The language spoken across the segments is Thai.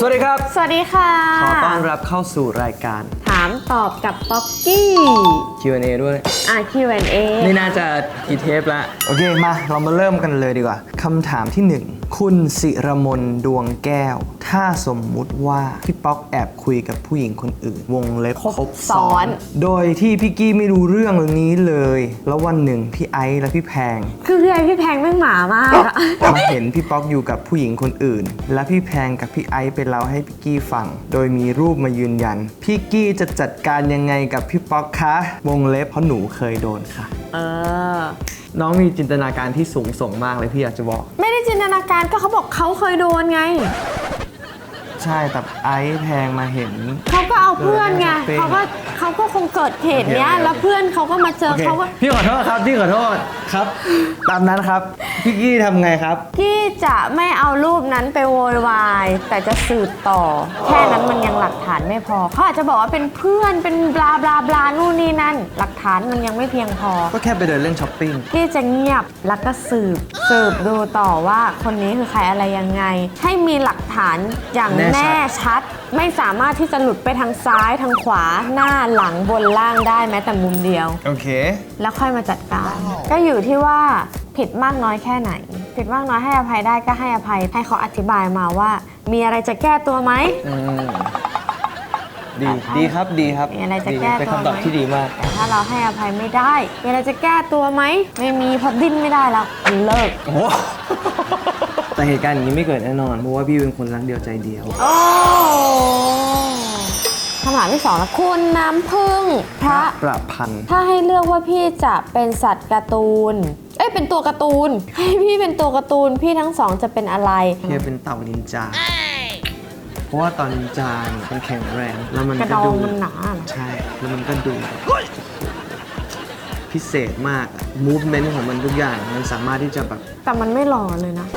สวัสดีครับสวัสดีค่ะขอต้อนรับเข้าสู่รายการถามตอบกับป๊อกกี้ Q&A ด้วย Q&A นี่น่าจะกี่เทปละโอเคมาเรามาเริ่มกันเลยดีกว่าคำถามที่ 1 คุณศิรมนดวงแก้วถ้าสมมุติว่าพี่ป๊อกแอบคุยกับผู้หญิงคนอื่นวงเล็บครบซ้อนโดยที่พี่กี้ไม่รู้เรื่องนี้เลยแล้ววันหนึ่งพี่ไอซ์และพี่แพงคือพี่แพงแม่งหมามากมาเห็นพี่ป๊อกอยู่กับผู้หญิงคนอื่นและพี่แพงกับพี่ไอซ์ไปเล่าให้พี่กี้ฟังโดยมีรูปมายืนยันพี่กี้จะจัดการยังไงกับพี่ป๊อกคะวงเล็บเพราะหนูเคยโดนค่ะน้องมีจินตนาการที่สูงส่งมากเลยพี่อยากจะบอกไม่ได้จินตนาการก็เขาบอกเขาเคยโดนไงใช่แต่ไอซ์แพงมาเห็นเขาก็เอาเพื่อนไงเขาก็คงเกิดเหตุเนี้ยแล้วเพื่อนเขาก็มาเจอเขาว่าพี่ขอโทษครับพี่ขอโทษครับตามนั้นครับพี่กี้ทำไงครับกี้จะไม่เอารูปนั้นไปโวยวายแต่จะสืบต่อแค่นั้นมันยังหลักฐานไม่พอเขาอาจจะบอกว่าเป็นเพื่อนเป็นบลาบลาบลานู่นนี่นั่นหลักฐานมันยังไม่เพียงพอก็แค่ไปเดินเล่นช้อปปิ้งกี้จะเงียบแล้วก็สืบดูต่อว่าคนนี้คือใครอะไรยังไงให้มีหลักฐานอย่างแน่ชัดไม่สามารถที่จะหลุดไปทางซ้ายทางขวาหน้าหลังบนล่างได้แม้แต่มุมเดียวโอเคแล้วค่อยมาจัดการก็อยู่ที่ว่าผิดมากน้อยแค่ไหนผิดมากน้อยให้อภัยได้ก็ให้อภัยให้เขาอธิบายมาว่ามีอะไรจะแก้ตัวไหมดีครับดีครับมีอะไรจะแก้ตัวไหมเป็นคำตอบที่ดีมากแต่ถ้าเราให้อภัยไม่ได้มีอะไรจะแก้ตัวไหมไม่มีพอดิ้นไม่ได้แล้วเลิกโอ้แต่เหตุการณ์อย่างนี้ไม่เกิดแน่นอนเพราะว่าพี่เป็นคนรักเดียวใจเดียวคำถามที่ 2 แล้วคุณน้ำพึ่งพระประพันธ์ถ้าให้เลือกว่าพี่จะเป็นสัตว์การ์ตูนเป็นตัวการ์ตูนให้พี่เป็นตัวการ์ตูนพี่ทั้งสองจะเป็นอะไรพี่เป็นเต่านินจาเพราะว่าตอนนินจามันแข็งแรงแล้วมันกระดองมันหนาใช่แล้วมันก็ดูพิเศษมากมูฟเมนต์ของมันทุกอย่างมันสามารถที่จะแบบแต่มันไม่หล่อเลยนะ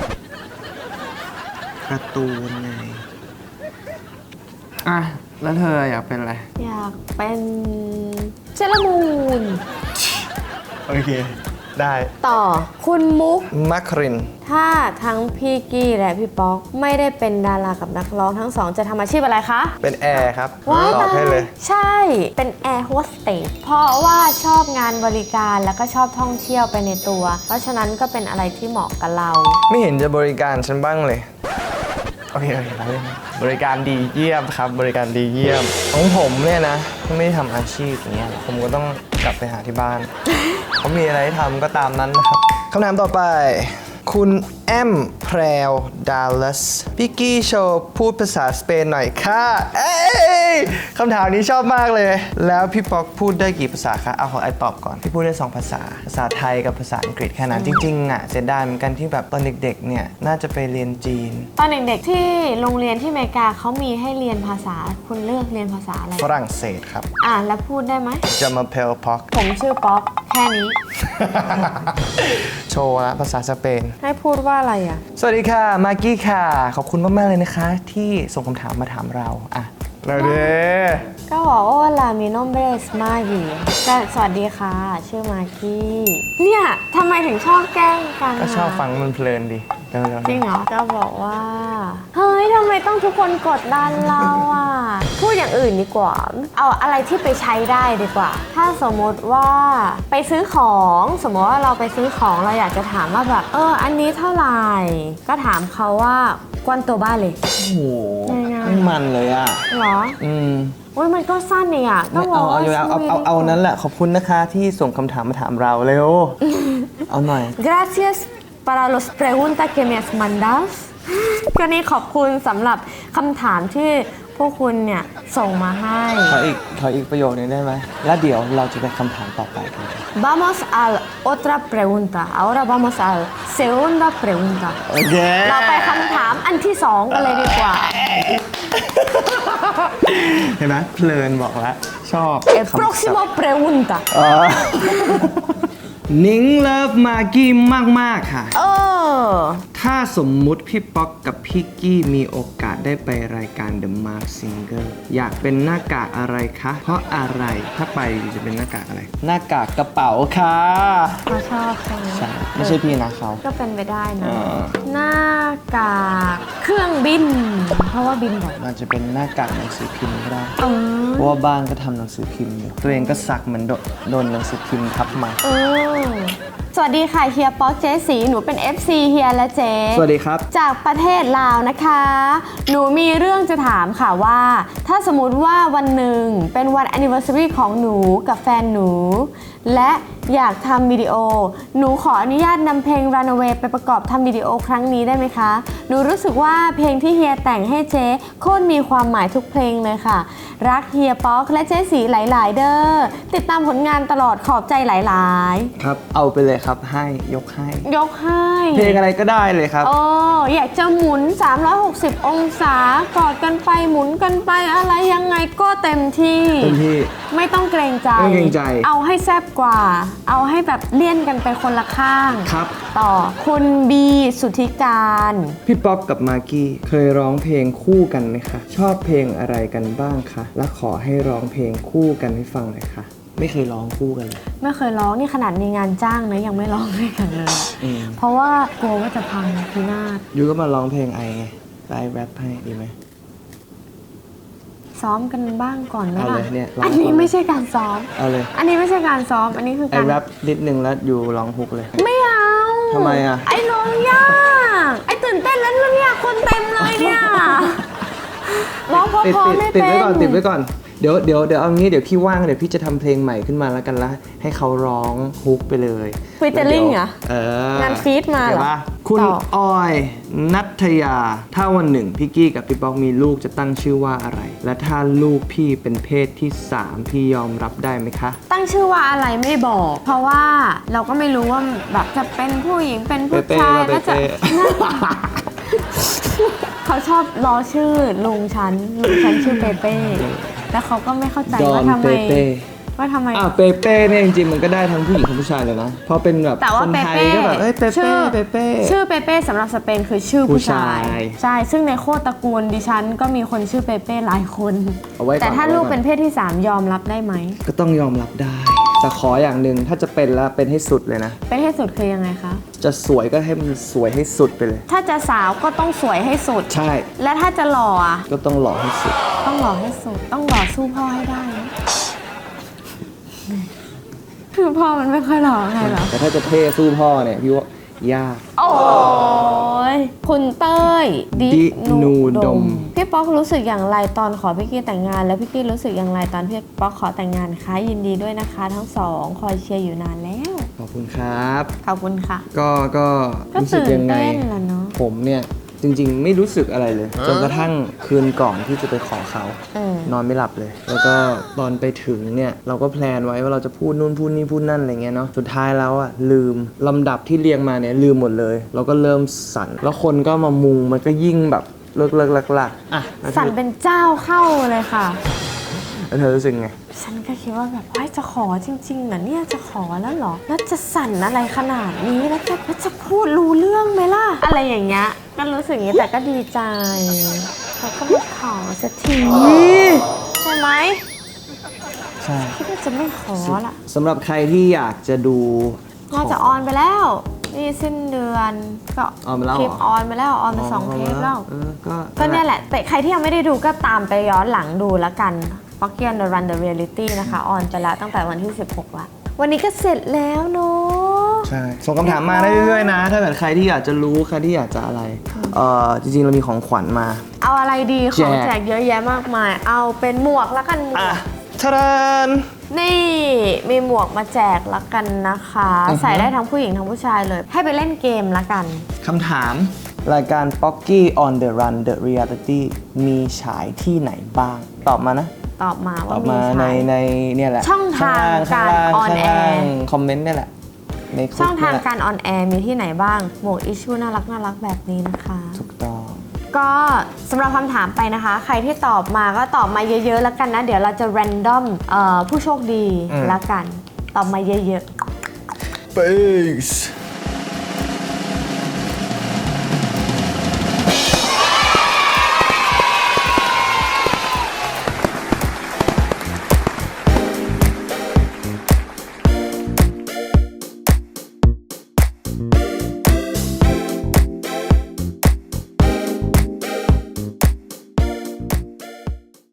การ์ตูนไงแล้วเธออยากเป็นอะไรอยากเป็นเซเลอรามูนโอเคได้ต่อคุณมุกมัคครินถ้าทั้งพี่กี้และพี่ป๊อกไม่ได้เป็นดารากับนักร้องทั้งสองจะทำอาชีพอะไรคะเป็นแอร์ครับตอบให้เลยใช่เป็นแอร์โฮสเตสเพราะว่าชอบงานบริการแล้วก็ชอบท่องเที่ยวไปในตัวเพราะฉะนั้นก็เป็นอะไรที่เหมาะกับเราไม่เห็นจะบริการฉันบ้างเลยโอเคบริการดีเยี่ยมครับบริการดีเยี่ยมของผมเนี่ยนะไม่ได้ทำอาชีพอย่างเงี้ยผมก็ต้องกลับไปหาที่บ้านเขามีอะไรให้ทำก็ตามนั้นนะครับคำถามต่อไปคุณแอมแพรวดัลลัสพี่กี้โชว์พูดภาษาสเปนหน่อยค่ะคำถามนี้ชอบมากเลยแล้วพี่ป๊อกพูดได้กี่ภาษาคะเอาของไอตอบก่อนพี่พูดได้2ภาษาภาษาไทยกับภาษาอังกฤษแค่นั้นจริงๆเสียดายเหมือนกันที่แบบตอนเด็กๆเนี่ยน่าจะไปเรียนจีนตอนเด็กๆที่โรงเรียนที่อเมริกาเขามีให้เรียนภาษาคุณเลือกเรียนภาษาอะไรฝรั่งเศสครับแล้วพูดได้ไหมจะมาเพลพ็อกผมชื่อป๊อกแค่นี้โชว์ละภาษาสเปนให้พูดว่าอะไรสวัสดีค่ะมากกี้ค่ะขอบคุณมากๆเลยนะคะที่ส่งคำถามมาถามเราเราเด้ก็บอกว่าลามิโนเบสมากีก็สวัสดีค่ะชื่อมากกี้เนี่ยทำไมถึงชอบแกล้งกันก็ชอบฟังมันเพลินดีจริงเหรอก็บอกว่าเฮ้ยทำไมต้องทุกคนกดดันเราพูดอย่างอื่นดีกว่าเอาอะไรที่ไปใช้ได้ดีกว่าถ้าสมมติว่าไปซื้อของสมมติว่าเราไปซื้อของเราอยากจะถามว่าแบบอันนี้เท่าไหร่ก็ถามเขาว่ากวนตัวบ้านเลยโอ้โหไม่มันเลยเหรอมันก็สั้นเนี่ยก็บอกเอานั้นแหละขอบคุณนะคะที่ส่งคำถามมาถามเราเร็วเอาหน่อย Gracias para los preguntas que me has mandado ก็นี่ขอบคุณสำหรับคำถามที่พวกคุณเนี่ยส่งมาให้ขออีกประโยคนึงได้ไหมแล้วเดี๋ยวเราจะไปคำถามต่อไปกัน Vamos a otra pregunta ahora vamos a segunda pregunta โอเคเราไปคำถามอันที่2กันเลยดีกว่าเห็นไหมเพลินบอกแล้วชอบ Próxima pregunta นิ้งเลิฟมากกี้มากๆค่ะถ้าสมมุติพี่ป๊อกกับพี่กี้มีโอกาสได้ไปรายการ The Mark Singer อยากเป็นหน้ากากอะไรคะเพราะอะไรถ้าไปจะเป็นหน้ากากอะไรหน้ากากกระเป๋าค่ะเขาชอบใช่ไหมใช่ไม่ใช่พี่นะเขาก็เป็นไปได้นะหน้ากากคือรื่องบิน เพราะว่าบินบ่อยมันจะเป็นหน้ากากหนังสือพิมพ์ก็ได้เอเพราะว่าบ้านก็ทำหนังสือพิมพ์อยู่ตัวเองก็สักเหมือนโดนหนังสือพิมพ์ทับมาสวัสดีค่ะเฮียป๊อกเจ๊สีหนูเป็น FC เฮียและเจ๊สวัสดีครับจากประเทศลาวนะคะ หนูมีเรื่องจะถามค่ะว่า ถ้าสมมติว่าวันหนึ่งเป็นวัน anniversary ของหนูกับแฟนหนู และอยากทำวิดีโอ หนูขออนุญาตนำเพลง Runaway ไปประกอบทำวิดีโอครั้งนี้ได้ไหมคะ หนูรู้สึกว่าเพลงที่เฮียแต่งให้เจ๊โคตรมีความหมายทุกเพลงเลยค่ะ รักเฮียป๊อกและเจ๊สีหลายๆ เด้อ ติดตามผลงานตลอดขอบใจหลายๆครับเอาไปเลยครับให้ยกให้ยกให้เพลงอะไรก็ได้เลยครับโอ้อยากจะหมุน 360 องศากอดกันไปหมุนกันไปอะไรยังไงก็เต็มที่เต็มที่ไม่ต้องเกรงใจไม่เกรงใจเอาให้แซ่บกว่า เอาให้แบบเลี่ยนกันไปคนละข้างครับต่อคุณบีสุทธิการพี่ป๊อกกับมากกี้เคยร้องเพลงคู่กันไหมคะ ชอบเพลงอะไรกันบ้างคะและขอให้ร้องเพลงคู่กันให้ฟังหน่อยค่ะ ไม่เคยร้องคู่กันเลยไม่เคยร้องนี่ขนาดมีงานจ้างนะยังไม่ร้องด้วยกันเลย เพราะว่ากลัวว่าจะพังพินาศยูก็มาร้องเพลงไอไงไลฟ์แรปให้ดีไหมซ้อมกันบ้างก่อนไหมเอาเลล่ะยเนี่ยร้องอันนี้ไม่ใช่การซ้อมเอาเลยอันนี้ไม่ใช่การซ้อม อันนี้คือไอการแรปนิดนึงแล้วยูร้องฮุกเลยไม่เอาทำไมอ่ะไอ้ร้องยากไอ้ตื่นเต้นแล้วเนี่ยคนเต็มเลยเนี่ยร้องเพราะติดๆไม่เป็นไว้ก่อนติดไว้ก่อนเดี๋ยวเอางี้เดี๋ยวพี่ว่างเดี๋ยวพี่จะทำเพลงใหม่ขึ้นมาแล้วกันละให้เขาร้องฮุกไปเลยฟีเจอริ่งเหรองานฟีดมาเหรอเดี๋ยวป่ะคุณต่อออยนัทยา ถ้าวันหนึ่งพี่กี้กับพี่ป๊อกมีลูกจะตั้งชื่อว่าอะไร และถ้าลูกพี่เป็นเพศที่ 3 พี่ยอมรับได้ไหมคะตั้งชื่อว่าอะไรไม่บอก เพราะว่าเราก็ไม่รู้ว่าแบบจะเป็นผู้หญิงเป็นผู้ชายแล้วจะ เขาชอบล้อชื่อลุงฉันชื่อเปเป้แล้วเขาก็ไม่เข้าใจดอว่าน ทำไมเปเป้ว่าทำไมเปเป้เนี่ยจริงๆมันก็ได้ทั้งผู้หญิงทั้งผู้ชายเลยนะพอเป็นแบบแต่ว่าคนเปไทยเป้ก็แบบเอ้ยเปเป้เปเป้ชื่อเปเป้สำหรับสเปนคือชื่อผู้ชายผู้ชายใช่ซึ่งในโคตรตระกูลดิฉันก็มีคนชื่อเปเป้หลายคนเอาไว้ก่อนแต่ถ้าเอาไว้ลูกก่อนเป็นเพศที่ 3 ยอมรับได้ไหมก็ต้องยอมรับได้ แต่ขออย่างหนึ่งถ้าจะเป็นแล้วเป็นให้สุดเลยนะเป็นให้สุดคือยังไงคะจะสวยก็ให้มันสวยให้สุดไปเลยถ้าจะสาวก็ต้องสวยให้สุดใช่และถ้าจะหล่ออ่ะก็ต้องหล่อให้สุดต้องหล่อให้สุด ต้องหล่อสู้พ่อให้ได้นะคือพ่อมันไม่ค่อยหล่อไงเหรอแต่ถ้าจะเท่สู้พ่อเนี่ยพี่ว่ายากโอ้ยคุณเต้ยดินูดมพี่ป๊อกรู้สึกอย่างไรตอนขอพี่กี้แต่งงาน แล้วพี่กี้รู้สึกอย่างไรตอนพี่ป๊อกขอแต่งงานคะยินดีด้วยนะคะทั้งสองคอยเชียร์อยู่นานแล้วขอบคุณครับขอบคุณค่ะก็ก็รู้สึกตื่นยังไงเต้นแหละเนาะผมเนี่ยจริงๆไม่รู้สึกอะไรเลย จนกระทั่งคืนก่อนที่จะไปขอเขา นอนไม่หลับเลย แล้วก็ตอนไปถึงเนี่ยเราก็แพลนไว้ว่าเราจะพูดนู่นพูดนี่พูดนั่นอะไรเงี้ยเนาะสุดท้ายแล้วอะลืมลำดับที่เรียงมาเนี่ยลืมหมดเลย เราก็เริ่มสั่นแล้วคนก็มามุงมันก็ยิ่งแบบเลิกลักอ่ะแล้วสั่นเป็นเจ้าเข้าเลยค่ะเธอรู้สึกไงฉันก็คิดว่าแบบว่าจะขอจริงๆนะเนี่ยจะขอแล้วเหรอ แล้วจะสั่นอะไรขนาดนี้แล้วจะพูดรู้เรื่องไหมล่ะ อะไรอย่างเงี้ยก็รู้สึกอย่างนี้แต่ก็ดีใจเขาก็มาขอสักทีใช่ไหมใช่คิดว่าจะไม่ขอละสำหรับใครที่อยากจะดูน่าจะออนไปแล้ว นี่สิ้นเดือนก็ออนไปแล้วคลิปเหรอออนไปแล้วออนไป2 เทปแล้ว ก็เนี่ยแหละ แต่ใครที่ยังไม่ได้ดูก็ตามไปย้อนหลังดูแล้วกัน p o c k y and the Run the Reality นะคะออนไปแล้วตั้งแต่วันที่ 16 ละ วันนี้ก็เสร็จแล้วเนาะใช่ส่งคำถามมาได้เรื่อยๆนะ ถ้าเกิดใครที่อยากจะรู้ใครที่อยากจะอะไรจริงๆเรามีของขวัญมาเอาอะไรดีของแจกแจกเยอะแยะมากมาย เอาเป็นหมวกละกันหมวอ่ะกทะดานนี่มีหมวกมาแจกละกันนะคะ ใส่ได้ทั้งผู้หญิงทั้งผู้ชายเลย ให้ไปเล่นเกมละกันคำถามรายการ Pocky on the Run the Reality มีฉายที่ไหนบ้าง ตอบมานะตอบมาตว่าอบมีมาใครในเนี่ยแหละช่องทางการออนแอร์คอมเมนต์เนี่ยแหละในคลิปช่องทางเนี่ยแหละการออนแอร์มีที่ไหนบ้าง หมวกอิชชูน่ารักแบบนี้นะคะถูกต้องก็สำหรับคำถามไปนะคะ ใครที่ตอบมาก็ตอบมาเยอะๆแล้วกันนะ เดี๋ยวเราจะ random ผู้โชคดีแล้วกัน ตอบมาเยอะๆ Peace